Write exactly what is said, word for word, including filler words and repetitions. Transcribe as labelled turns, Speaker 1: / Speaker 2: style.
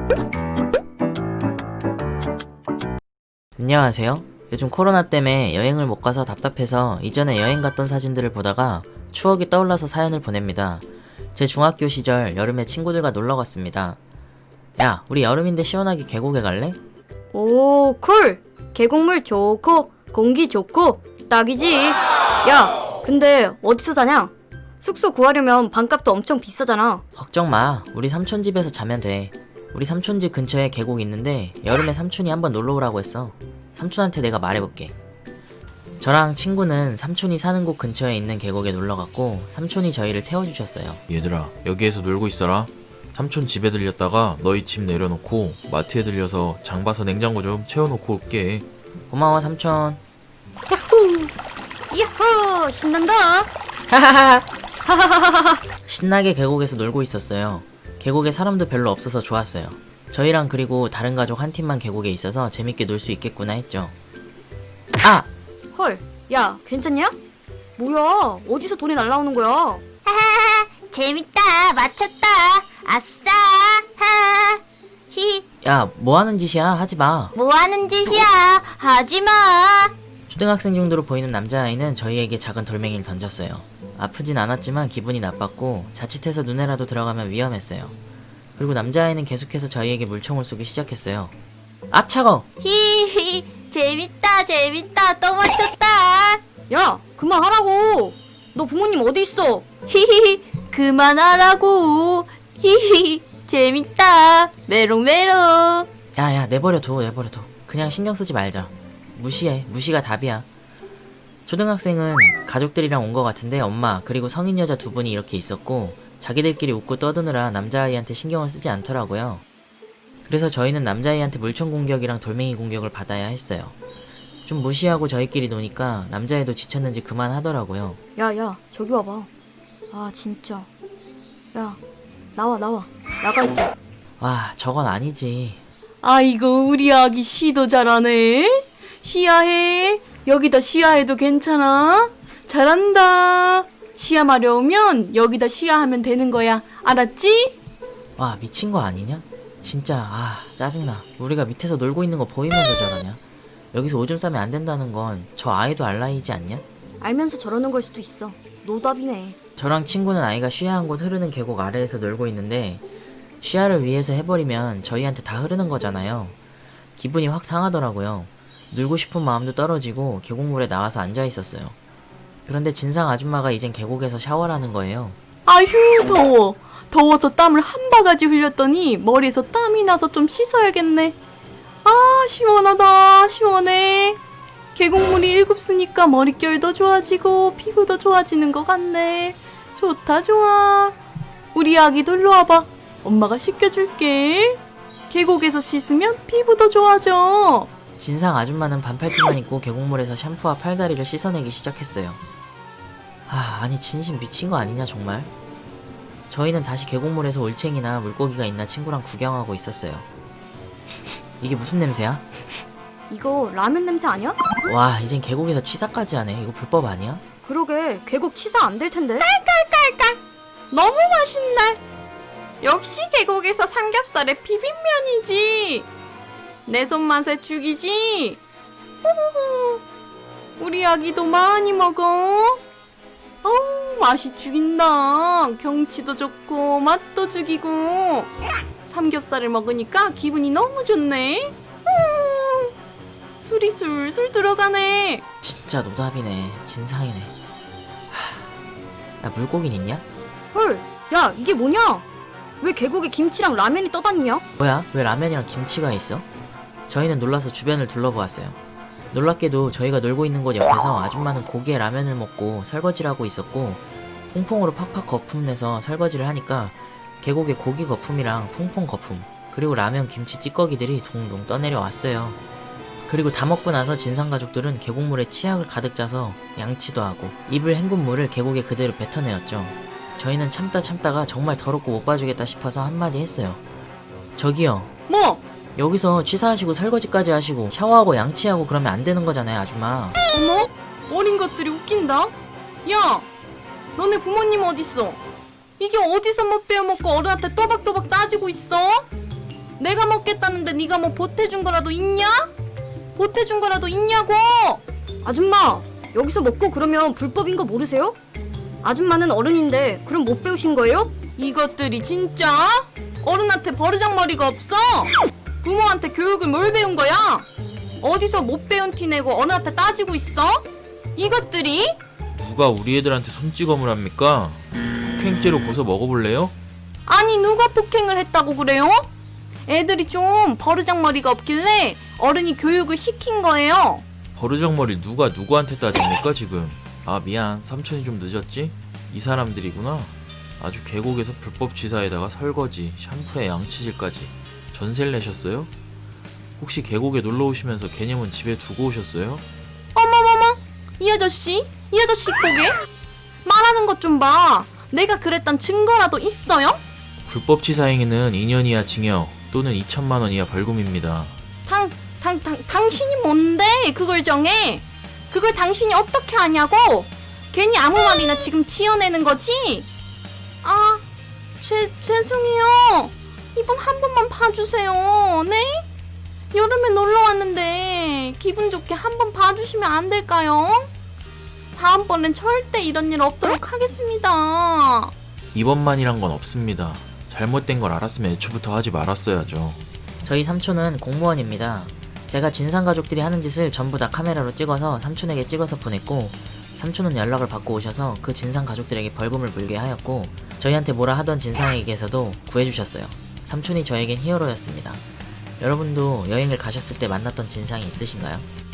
Speaker 1: 안녕하세요. 요즘 코로나 때문에 여행을 못 가서 답답해서 이전에 여행 갔던 사진들을 보다가 추억이 떠올라서 사연을 보냅니다. 제 중학교 시절 여름에 친구들과 놀러 갔습니다. 야, 우리 여름인데 시원하게 계곡에 갈래?
Speaker 2: 오, 쿨! 계곡물 좋고 공기 좋고 딱이지. 야, 근데 어디서 자냐? 숙소 구하려면 방값도 엄청 비싸잖아.
Speaker 1: 걱정 마. 우리 삼촌 집에서 자면 돼. 우리 삼촌 집 근처에 계곡 있는데 여름에 삼촌이 한번 놀러 오라고 했어. 삼촌한테 내가 말해볼게. 저랑 친구는 삼촌이 사는 곳 근처에 있는 계곡에 놀러갔고 삼촌이 저희를 태워주셨어요.
Speaker 3: 얘들아, 여기에서 놀고 있어라. 삼촌 집에 들렸다가 너희 집 내려놓고 마트에 들려서 장 봐서 냉장고 좀 채워놓고 올게.
Speaker 1: 고마워 삼촌.
Speaker 2: 야호! 야호! 신난다!
Speaker 1: 하하하. 신나게 계곡에서 놀고 있었어요. 계곡에 사람도 별로 없어서 좋았어요. 저희랑 그리고 다른 가족 한 팀만 계곡에 있어서 재밌게 놀 수 있겠구나 했죠. 아!
Speaker 2: 헐, 야, 괜찮냐? 뭐야, 어디서 돈이 날라오는 거야?
Speaker 4: 하하하 재밌다 맞췄다 아싸 하 히
Speaker 1: 야, 뭐하는 짓이야? 하지마.
Speaker 4: 뭐하는 짓이야 하지마.
Speaker 1: 초등학생 정도로 보이는 남자아이는 저희에게 작은 돌멩이를 던졌어요. 아프진 않았지만 기분이 나빴고 자칫해서 눈에라도 들어가면 위험했어요. 그리고 남자아이는 계속해서 저희에게 물총을 쏘기 시작했어요. 아, 차가워!
Speaker 4: 히히 재밌다 재밌다 또 맞췄다.
Speaker 2: 야, 그만하라고! 너 부모님 어디 있어?
Speaker 4: 히히 그만하라고. 히히 재밌다 메롱메롱.
Speaker 1: 야야, 내버려둬 내버려둬. 그냥 신경 쓰지 말자. 무시해. 무시가 답이야. 초등학생은 가족들이랑 온 것 같은데 엄마 그리고 성인 여자 두 분이 이렇게 있었고 자기들끼리 웃고 떠드느라 남자아이한테 신경을 쓰지 않더라고요. 그래서 저희는 남자아이한테 물총 공격이랑 돌멩이 공격을 받아야 했어요. 좀 무시하고 저희끼리 노니까 남자애도 지쳤는지 그만하더라고요.
Speaker 2: 야, 야, 저기 와봐. 아, 진짜. 야, 나와, 나와. 나가 있자.
Speaker 1: 와, 저건 아니지.
Speaker 5: 아이고 우리 아기 시도 잘하네. 시야해. 여기다 시야해도 괜찮아? 잘한다. 시야 마려우면 여기다 시야하면 되는 거야. 알았지?
Speaker 1: 와, 미친 거 아니냐? 진짜 아 짜증나. 우리가 밑에서 놀고 있는 거 보이면서 저러냐? 여기서 오줌 싸면 안 된다는 건 저 아이도 알 나이지 않냐?
Speaker 2: 알면서 저러는 걸 수도 있어. 노답이네.
Speaker 1: 저랑 친구는 아이가 쉬야한 곳 흐르는 계곡 아래에서 놀고 있는데 쉬야를 위해서 해버리면 저희한테 다 흐르는 거잖아요. 기분이 확 상하더라고요. 놀고 싶은 마음도 떨어지고 계곡물에 나와서 앉아있었어요. 그런데 진상 아줌마가 이젠 계곡에서 샤워를 하는 거예요.
Speaker 5: 아휴 더워. 더워서 땀을 한 바가지 흘렸더니 머리에서 땀이 나서 좀 씻어야겠네. 아 시원하다 시원해. 계곡물이 일곱 수니까 머릿결도 좋아지고 피부도 좋아지는 것 같네. 좋다 좋아. 우리 아기도 일로 와봐. 엄마가 씻겨줄게. 계곡에서 씻으면 피부도 좋아져.
Speaker 1: 진상 아줌마는 반팔티만 입고 계곡물에서 샴푸와 팔다리를 씻어내기 시작했어요. 아, 아니 진심 미친 거 아니냐 정말? 저희는 다시 계곡물에서 올챙이나 물고기가 있나 친구랑 구경하고 있었어요. 이게 무슨 냄새야?
Speaker 2: 이거 라면 냄새 아니야?
Speaker 1: 와, 이젠 계곡에서 취사까지 하네. 이거 불법 아니야?
Speaker 2: 그러게, 계곡 치사 안 될 텐데.
Speaker 5: 너무 맛있네. 역시 계곡에서 삼겹살의 비빔면이지. 내 손맛에 죽이지. 호호호. 우리 아기도 많이 먹어. 어우 맛이 죽인다. 경치도 좋고 맛도 죽이고 삼겹살을 먹으니까 기분이 너무 좋네. 음, 술이 술술 들어가네.
Speaker 1: 진짜 노답이네. 진상이네. 하... 야, 물고기는 있냐?
Speaker 2: 헐, 야, 이게 뭐냐? 왜 계곡에 김치랑 라면이 떠다니냐?
Speaker 1: 뭐야? 왜 라면이랑 김치가 있어? 저희는 놀라서 주변을 둘러보았어요. 놀랍게도 저희가 놀고 있는 곳 옆에서 아줌마는 고기에 라면을 먹고 설거지를 하고 있었고 퐁퐁으로 팍팍 거품 내서 설거지를 하니까 계곡에 고기 거품이랑 퐁퐁 거품 그리고 라면 김치 찌꺼기들이 동동 떠내려 왔어요. 그리고 다 먹고 나서 진상가족들은 계곡물에 치약을 가득 짜서 양치도 하고 입을 헹군 물을 계곡에 그대로 뱉어내었죠. 저희는 참다 참다가 정말 더럽고 못 봐주겠다 싶어서 한마디 했어요. 저기요,
Speaker 5: 뭐?
Speaker 1: 여기서 취사하시고 설거지까지 하시고 샤워하고 양치하고 그러면 안 되는 거잖아요, 아줌마.
Speaker 5: 어머? 어린 것들이 웃긴다. 야, 너네 부모님 어딨어? 이게 어디서 못 빼어먹고 어른한테 또박또박 따지고 있어? 내가 먹겠다는데 네가 뭐 보태준 거라도 있냐? 보태준 거라도 있냐고!
Speaker 2: 아줌마, 여기서 먹고 그러면 불법인 거 모르세요? 아줌마는 어른인데 그럼 못 배우신 거예요?
Speaker 5: 이것들이 진짜? 어른한테 버르장머리가 없어? 부모한테 교육을 뭘 배운 거야? 어디서 못 배운 티 내고 어른한테 따지고 있어? 이것들이?
Speaker 3: 누가 우리 애들한테 손찌검을 합니까? 폭행죄로 고소 먹어볼래요?
Speaker 5: 아니 누가 폭행을 했다고 그래요? 애들이 좀 버르장머리가 없길래 어른이 교육을 시킨 거예요.
Speaker 3: 버르장머리 누가 누구한테 따집니까 지금? 아 미안, 삼촌이 좀 늦었지? 이 사람들이구나. 아주 계곡에서 불법 취사에다가 설거지, 샴푸에 양치질까지 전세를 내셨어요? 혹시 계곡에 놀러 오시면서 개념은 집에 두고 오셨어요?
Speaker 5: 어머머머, 이 아저씨, 이 아저씨 보게 말하는 것 좀 봐. 내가 그랬던 증거라도 있어요?
Speaker 3: 불법 취사 행위는 이 년 이하 징역 또는 이천만 원 이하 벌금입니다.
Speaker 5: 당, 당, 당, 당신이 뭔데 그걸 정해? 그걸 당신이 어떻게 하냐고? 괜히 아무 말이나 지금 지어내는 거지? 아, 죄, 죄송해요. 이번 한 번만 봐주세요. 네? 여름에 놀러 왔는데 기분 좋게 한 번 봐주시면 안 될까요? 다음번엔 절대 이런 일 없도록 하겠습니다.
Speaker 3: 이번만이란 건 없습니다. 잘못된 걸 알았으면 애초부터 하지 말았어야죠.
Speaker 1: 저희 삼촌은 공무원입니다. 제가 진상 가족들이 하는 짓을 전부 다 카메라로 찍어서 삼촌에게 찍어서 보냈고, 삼촌은 연락을 받고 오셔서 그 진상 가족들에게 벌금을 물게 하였고, 저희한테 뭐라 하던 진상에게서도 구해주셨어요. 삼촌이 저에겐 히어로였습니다. 여러분도 여행을 가셨을 때 만났던 진상이 있으신가요?